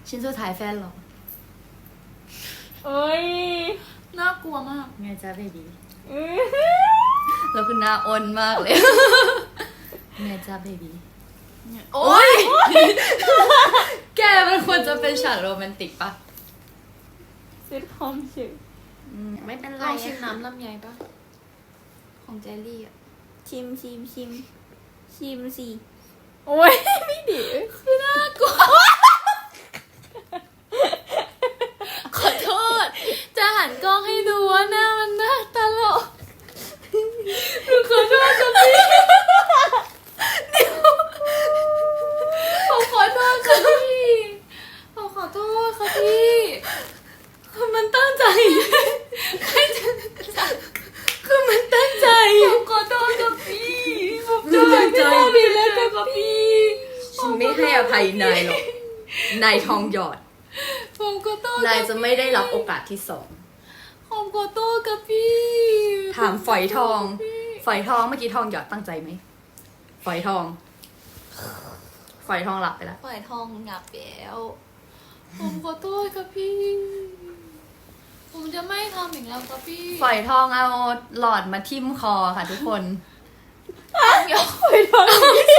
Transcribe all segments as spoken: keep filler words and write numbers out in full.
ชิ้นสุดท้ายแฟนหรอเอ้ยน่ากลัวมากไงจ้าเบบีแล้วคือหน้าอ้นมากเลยไงจ้าเบบีโอ๊ยแกมันควรจะเป็นฉากโรแมนติกปะซิทคอมเฉยไม่เป็นไรลองชิมน้ำลำไยปะของเจลลี่อ่ะชิมชิมชิมชิมสิโอ้ยไม่ดีคือน่ากลัวขอโทษจะหันกล้องให้ดูว่าหน้ามันน่าตลกหนูขอโทษค่ะพี่เดี๋ยวผมขอโทษค่ะพี่ผมขอโทษค่ะพี่คือมันตั้งใจใครจะคือมันตั้งใจผมขอโทษค่ะพี่ผมตั้งใจไม่ได้พี่แล้วค่ะพี่ฉันไม่ให้อภัยนายหรอกนายทองหยอดผมขอโทษนายจะไม่ได้รับโอกาสที่สองผมขอโทษกับพี่ถามฝอยทองฝอยทองเมื่อกี้ทองหยอดตั้งใจไหมฝอยทองฝอยทองหลับไปแล้วฝอยทองหลับแล้วผมขอโทษกับพี่ผมจะไม่ทำอย่างแล้วกับพี่ฝอยทองเอาหลอดมาทิ่มคอค่ะทุกคนทองหยอดฝอยทอง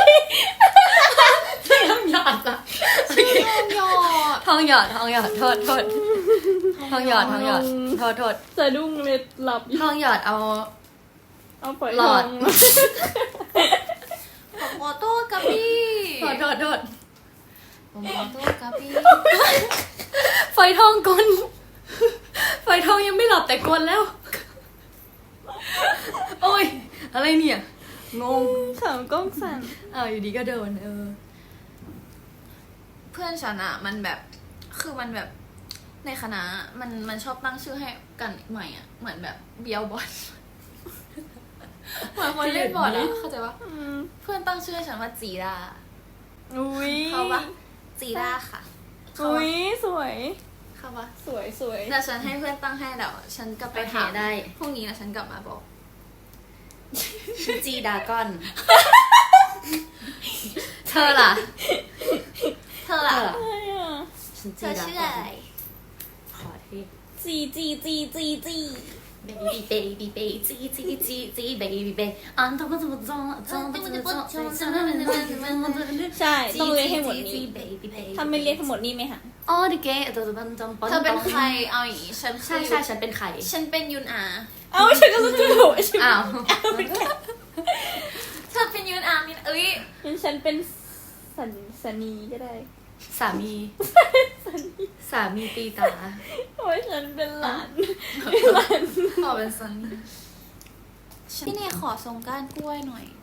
ทองหยอดอะทองหยอดทองหยอดทองหยอดโทษโทษทองหยอดทองหยอดโทษโทษสะดุ้งเลยหลับทองหยอดเอาเอาฝอยทองผมขอโทษกับพี่ขอโทษโทษผมขอโทษกับพี่ฝอยทองกลฝอยทองยังไม่หลับแต่กลแล้วโอ้ยอะไรเนี่ยงงขำกล้องสั่นอ้าวอยู่ดีก็โดนเออเพื่อนฉันอะมันแบบคือมันแบบในคณะมันมันชอบตั้งชื่อให้กันใหม่อะเหมือนแบบเบียวบอลเหมือนคนเล่นบอลอะเข้าใจปะเพื่อนตั้งชื่อให้ฉันว่าจีราอุ้ยเขาปะจีราค่ะอุ้ยสวยเขาปะสวยสวยแต่ฉันให้เพื่อนตั้งให้เดี๋ยวฉันกลับไปถามได้พรุ่งนี้นะฉันกลับมาบอกจีดากอนเธอล่ะเธอล่ะเธอชื่ออะไรขอที่จีจีจีจีจี baby baby baby จีจีจีจี baby baby อ่ะต้องต้องต้องต้องต้องต้องใช่ต้องเรียกให้หมดนี้ถ้าไม่เรียกทั้งหมดนี่ไหมคะอ๋อดิเกะเธอเป็นใครเอาอย่างนี้ฉันใช่ใช่ฉันเป็นใครฉันเป็นยุนอาเอ้าฉันก็รู้จักอ้าวเธอเป็นยุนอามินเอ้ยฉันเป็นสันสนีก็ได้สามีสามีตีตาโอ้ยฉันเป็นหลานหลานขอเป็นซันนี่พี่เนยขอทรงก้านกล้วยหน่อย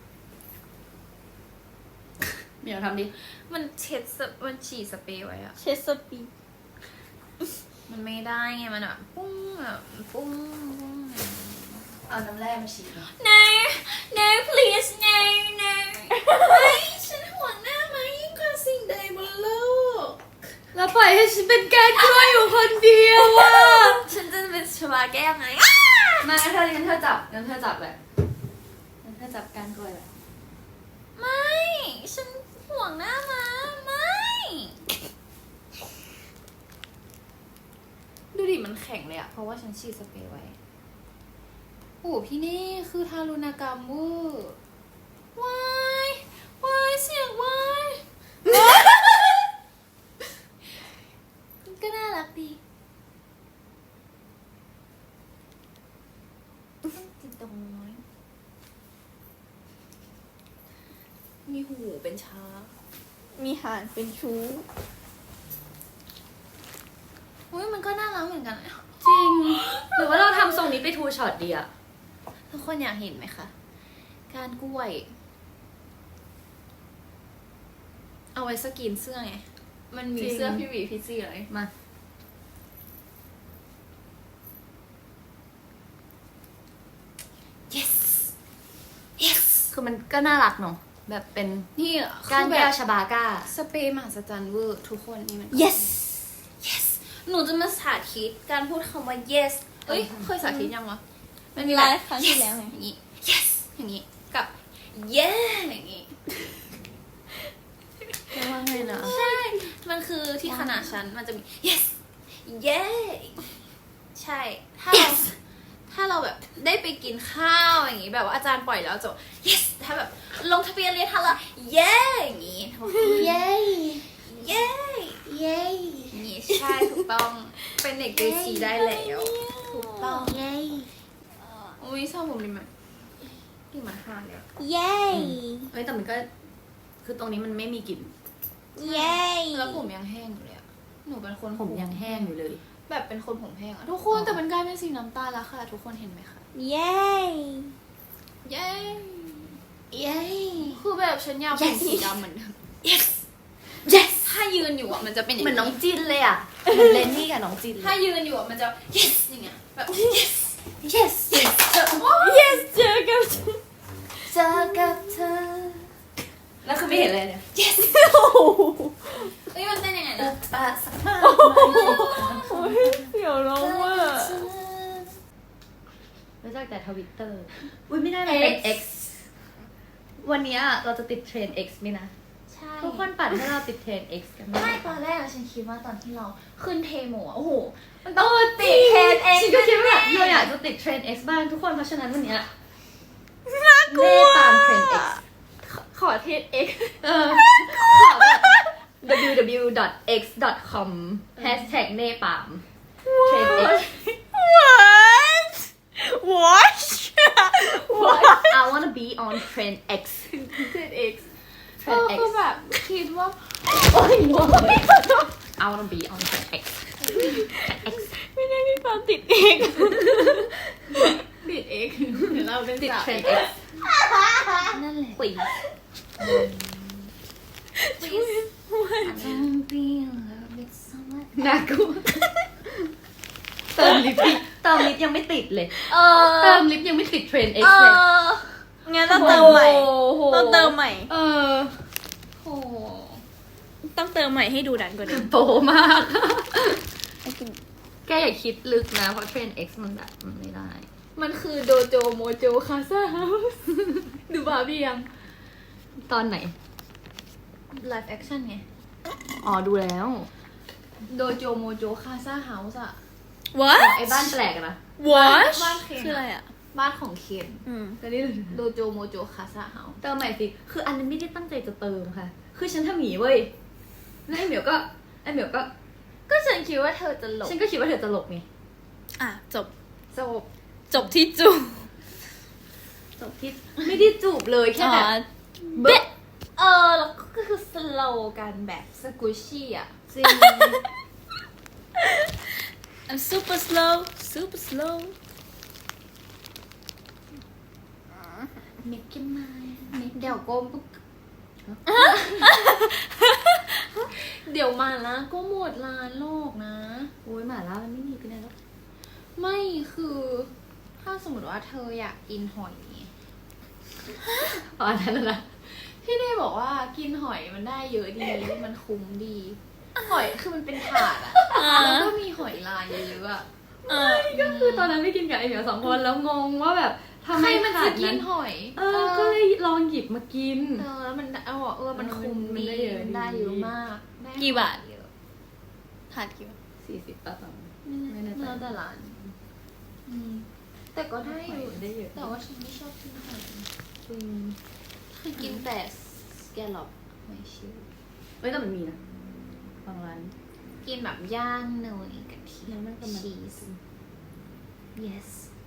เดี๋ยวทำดิมันเช็ดมันฉีดสเปรย์ไว้อะเช็ดสปีมันไม่ได้ไงมันแบบปุ้งแบบปุ้งเอาน้ำแร่มาฉีด no no please no no ไม่ฉันห่วงหน้ามายิ่งกว่าสิ่งใดบนโลกแล้วปล่อยให้ฉันเป็นแก้กล้วยอยู่คนเดียวอ่ะฉันจะเป็นชวาแก้ไหมมางั้นเธองั้นเธอจับงั้นเธอจับเลยงั้นเธอจับก้านกล้วยเลยไม่ฉันห่วงหน้ามาไม่ดูดิมันแข็งเลยอะเพราะว่าฉันฉีดสเปรย์ไว้โอ้พี่นี่คือทารุณกรรมเวอร์วายวายเสียงวายก็น่ารักดีติดตรงน้อยมีหูเป็นช้างมีหางเป็นชู้อุ้ยมันก็น่ารักเหมือนกันจริงหรือว่าเราทำทรงนี้ไปทูช็อตดีอะทุกคนอยากเห็นไหมคะการกล้วยเอาไว้สกรีนเสื้อไงมันมีเสื้อพี่หวีพี่จี้เลยมา yes yes คือมันก็น่ารักเนาะแบบเป็นนี่การแก้วชบาก้าสเปรย์มหัศจรรย์เวอร์ทุกคนนี่มัน yes yes หนูจะมาสาธิตการพูดคำว่า yes เอ้ยเคยสาธิตยังวะมันมีไลฟ์ครั้งที่แล้วไงอย่างนี้ yes อย่างนี้กับ yeah อย่างนี้ว่าไงนะใช่ มันคือที่คณะฉันมันจะมี yes yeah ใช่ ถ้าเรา Yes ถ้าเราแบบได้ไปกินข้าวอย่างงี้แบบว่าอาจารย์ปล่อยแล้วจะ yes ถ้าแบบลงทะเบียนเรียนทันแล้ว yeah อย่างงี้เย้ yeah เย้อย่างงี้ใช่ถูกต้องเป็นเด็กเกรดซีได้แล้วถูกต้องเย้อุ้ยชอบผมดีไหมกลิ่นมันหางเลยอะเย้เฮ้ยแต่มันก็คือตรงนี้มันไม่มีกลิ่นเย้แล้วผมยังแห้งอยู่เลยอะหนูเป็นคนผมยังแห้งอยู่เลยแบบเป็นคนผมแห้งอะทุกคนแต่มันกลายเป็นสีน้ำตาลแล้วค่ะ ทุกคนเห็นไหมคะเย้เย้เย้คือแบบฉันอยากเป็น Yes สีดำเหมือนเดิม yes yes ถ้ายืนอยู่อะมันจะเป็นอย่างเหมือนน้องจินเลยอ่ะเหมือนเลนนี่กับน้องจินเลยถ้ายืนอยู่อะมันจะ yes อย่างเงี้ยแบบ yes yes yes yes เจอกับเจอกับเธอแล้วคือไม่เห็นเลยเนี่ย yes เอ้ยมันเต้นยังไงนะปะสักมากโอ้ยเสียวร้องว่ะรู้จักแต่ทวิตเตอร์อุ้ยไม่ได้มันเป็น X วันนี้เราจะติดเทรนด์ X ไหมนะใช่ทุกคนปัดให้เราติดเทรนด์ X กันไหมไม่ตอนแรกอะฉันคิดว่าตอนที่เราขึ้นเทโมอะโอ้โหมันต้องติดเทรนเองฉันก็คิดว่าแบบเราอยากจะติดเทรนด์ X บ้างทุกคนเพราะฉะนั้นวันนี้เน่ตามเทรนด์ X ขอเทรนเอ็กเออขอแบบ ดับเบิลยู ดับเบิลยู ดอท เอ็กซ์ ดอท คอม แฮชแท็กเน่ปามเทรนด์ X what what What I wanna be on trend X เทรนเอ็ก เอ trend อ X คือแบบคิดว่าโอ้ยงง I wanna be on trend X trend X ไม่ได้พี่ปาติดเองติดเอ็กเดี๋ยวเราเป็นติดสาว trend X นั่นแหละ Please Don't be in love with someone น่ากลัวเติมลิปดิเติมลิปยังไม่ติดเลยเอเติอมลิปยังไม่ติดเทรนด์ X เอเลยองั้นต้องเติมใหม่โอ้โหต้องเติมใหม่เออโอ้โหต้องเติมใหม่ให้ดูดันกว่าเดิมโตมาก แกอย่าคิดลึกนะ เพราะเทรนด์ X มันแบบมันไม่ได้มันคือโดโจโมโจคาซาเฮาส์ดูบาร์บี้ยังตอนไหนไลฟ์แอคชั่นไงอ๋อ ดูแล้วโดโจโมโจคาซาเฮาส์อะ what ไอ้บ้านแปลกอะนะ what บ้านเคนคืออะไรอ่ะบ้านของเคนอืมก็นี่โดโจโมโจคาซาเฮาส์เติมใหม่สิ คืออันนั้นไม่ได้ตั้งใจจะเติมค่ะ คือฉันทำหมีเว้ย แล้วไอ้เหมียวก็ ไอ้เหมียวก็ก็ฉันคิดว่าเธอจะหลบฉันก็คิดว่าเธอจะหลบไงอ่ะจบจบจบที่จูจบที่ไม่ได้จูบเลยแค่แบบเบ๊ะเออแล้วก็คือสโลกันแบบสกุชชี่อะจริง I'm super slow super slow make your mind เดี๋ยวก้มปุ๊บเดี๋ยวมาละก็หมดร้านโลกนะโอ้ยหมาล่ามันไม่มีไปไหนแล้วไม่คือถ้าสมมติว่าเธออยากกินหอยอ๋ออันนั้นน่ะนะพี่เน่บอกว่ากินหอยมันได้เยอะดี มันคุ้มดี หอยคือมันเป็นถาดอะแล้วก็มีหอยลายเยอะๆอะเออก็คือตอนนั้นไปกินกับไอ้เหมียวสองคนแล้วงงว่าแบบทำใคไมรมันขาจะดกินั้น นหอยเออ ก็เลยลองหยิบมากินเออแล้วมันเอาบอกเออมันคุ้มมันดีได้เยอะมันได้เยอะดีมากได้กี่บาทเยอะถาดกี่บาทสี่สิบป่ะตอนไม่แน่ใจแล้วแต่ร้านอืมแต่ก็ได้อยู่ได้เยอะแต่ว่าฉันไม่ชอบกินหอยจริงคือกินแต่สแกลล็อปหอยชิวเฮ้ยแต่มันมีนะบางร้านกินแบบย่างเนยกะทิแล้วมันก็มาชีส yes